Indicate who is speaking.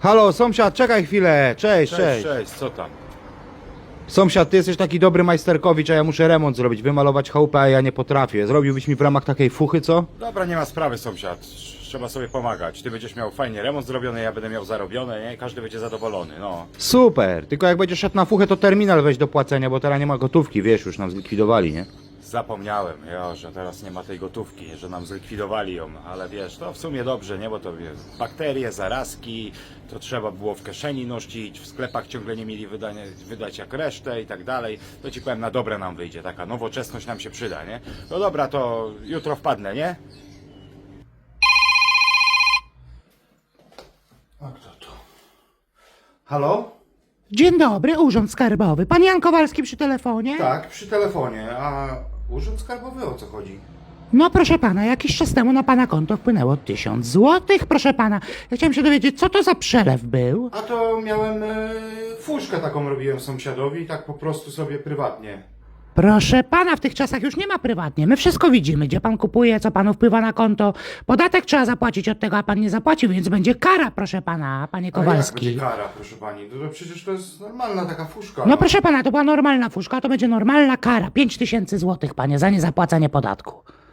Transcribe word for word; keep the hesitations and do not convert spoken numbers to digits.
Speaker 1: Halo, sąsiad, czekaj chwilę. Cześć, cześć,
Speaker 2: Cześć, cześć, co tam?
Speaker 1: Sąsiad, ty jesteś taki dobry majsterkowicz, a ja muszę remont zrobić, wymalować chałupę, a ja nie potrafię. Zrobiłbyś mi w ramach takiej fuchy, co?
Speaker 2: Dobra, nie ma sprawy, sąsiad. Trzeba sobie pomagać. Ty będziesz miał fajnie remont zrobiony, ja będę miał zarobione, nie? Każdy będzie zadowolony, no.
Speaker 1: Super, tylko jak będziesz szedł na fuchę, to terminal weź do płacenia, bo teraz nie ma gotówki, wiesz, już nam zlikwidowali, nie?
Speaker 2: Zapomniałem, jo, że teraz nie ma tej gotówki, że nam zlikwidowali ją, ale wiesz, to w sumie dobrze, nie? Bo to wiesz, bakterie, zarazki, to trzeba było w kieszeni nosić, w sklepach ciągle nie mieli wydania, wydać jak resztę i tak dalej. To ci powiem, na dobre nam wyjdzie, taka nowoczesność nam się przyda, nie? No dobra, to jutro wpadnę, nie?
Speaker 1: A kto to? Halo?
Speaker 3: Dzień dobry, Urząd Skarbowy. Pan Jan Kowalski przy telefonie?
Speaker 1: Tak, przy telefonie, a urząd skarbowy o co chodzi?
Speaker 3: No proszę pana, jakiś czas temu na pana konto wpłynęło tysiąc złotych, proszę pana. Ja chciałem się dowiedzieć, co to za przelew był?
Speaker 1: A to miałem e, fuszkę taką robiłem sąsiadowi, tak po prostu sobie prywatnie.
Speaker 3: Proszę pana, w tych czasach już nie ma prywatnie. My wszystko widzimy, gdzie pan kupuje, co panu wpływa na konto. Podatek trzeba zapłacić od tego, a pan nie zapłacił, więc będzie kara, proszę pana, panie
Speaker 1: Ale jak
Speaker 3: Kowalski.
Speaker 1: będzie kara, proszę pani? To, to przecież to jest normalna taka fuszka.
Speaker 3: No proszę pana, to była normalna fuszka, to będzie normalna kara. Pięć tysięcy złotych, panie, za niezapłacenie podatku.